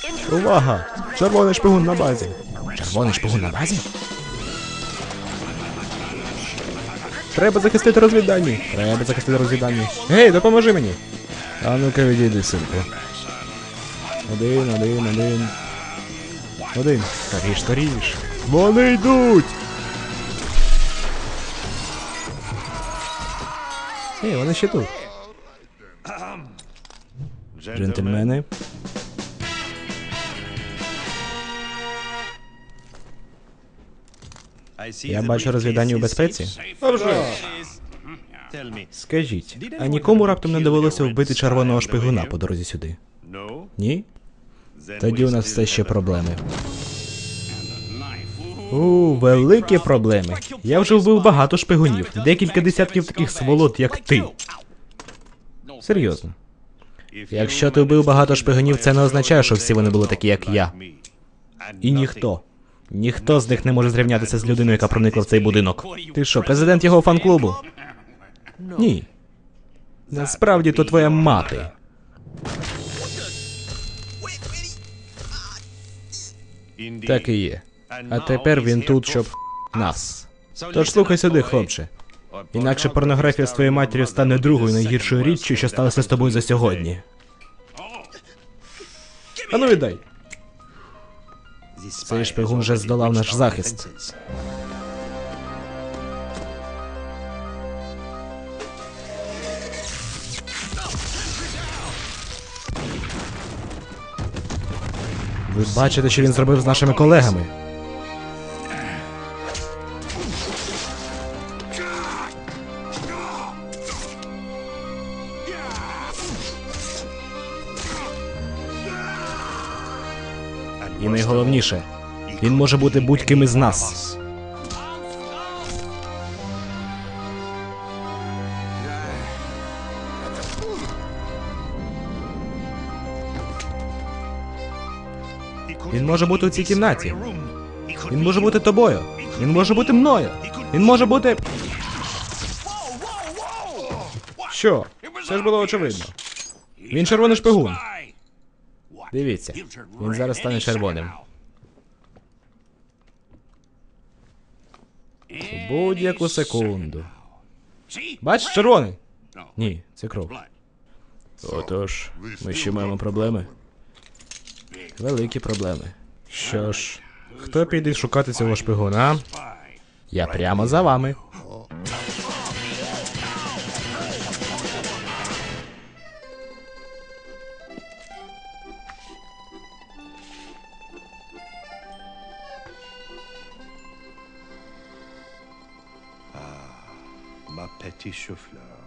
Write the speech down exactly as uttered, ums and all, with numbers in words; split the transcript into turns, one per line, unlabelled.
Увага! Червоний шпигун на базі. Червоний шпигун на базі? Треба захистити розвіддані. Треба захистити розвіддані. Гей, допоможи мені. А ну-ка відійди, синку. Один, один, один. Один. Скоріш, скоріш. Вони йдуть! Ей, вони ще тут. Джентльмени. Я бачу розвідання у безпеці. А вже. Скажіть, а нікому раптом не довелося вбити червоного шпигуна по дорозі сюди? Ні? Тоді у нас все ще проблеми. У, великі проблеми. Я вже вбив багато шпигунів. Декілька десятків таких сволот, як ти. Серйозно. Якщо ти вбив багато шпигунів, це не означає, що всі вони були такі, як я. І ніхто. Ніхто з них не може зрівнятися з людиною, яка проникла в цей будинок. Ти що, президент його фан-клубу? Ні. Насправді, то твоя мати. Так і є. А тепер він тут, щоб нас. Тож слухай сюди, хлопче. Інакше порнографія з твоєю матір'ю стане другою найгіршою річчю, що сталося з тобою за сьогодні. Ану віддай. Цей шпигун вже здолав наш захист. Ви бачите, що він зробив з нашими колегами? І найголовніше, він може бути будь-ким із нас. Він може бути у цій кімнаті. Він може бути тобою. Він може бути мною. Він може бути... Що? Це ж було очевидно. Він червоний шпигун. Дивіться, він зараз стане червоним. У будь-яку секунду. Бачиш, червоний? Ні, це кров. Отож, ми ще маємо проблеми. Великі проблеми. Що ж, хто піде шукати цього шпигуна? Я прямо за вами.
Ma petite chou-fleur.